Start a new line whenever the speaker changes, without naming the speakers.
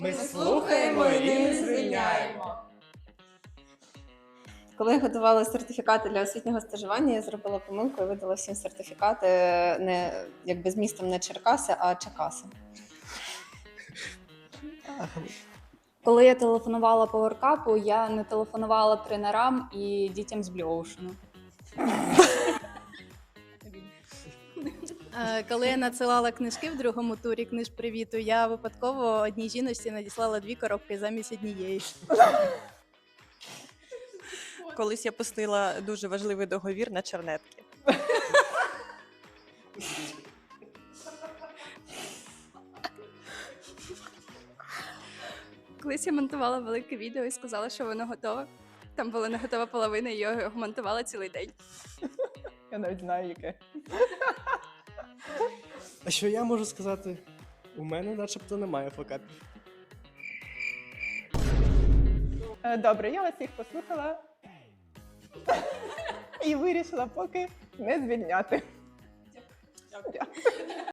Ми слухаємо і не звільняємо.
Коли я готувала сертифікати для освітнього стажування, я зробила помилку і видала всім сертифікати не якби з містом не Черкаси, а Чекаси.
Коли я телефонувала пауеркапу, я не телефонувала тренерам і дітям з Blue Ocean. Коли я надсилала книжки в другому турі книжпривіту, я випадково одній жіночці надіслала 2 коробки замість однієї.
Колись я пустила дуже важливий договір на чернетки.
Колись я монтувала велике відео і сказала, що воно готове. Там була не готова половина, і я його монтувала цілий день.
Я навіть знаю, яке.
А що я можу сказати? У мене начебто немає факапів.
Добре, я вас всіх послухала і вирішила поки не звільняти. Дякую.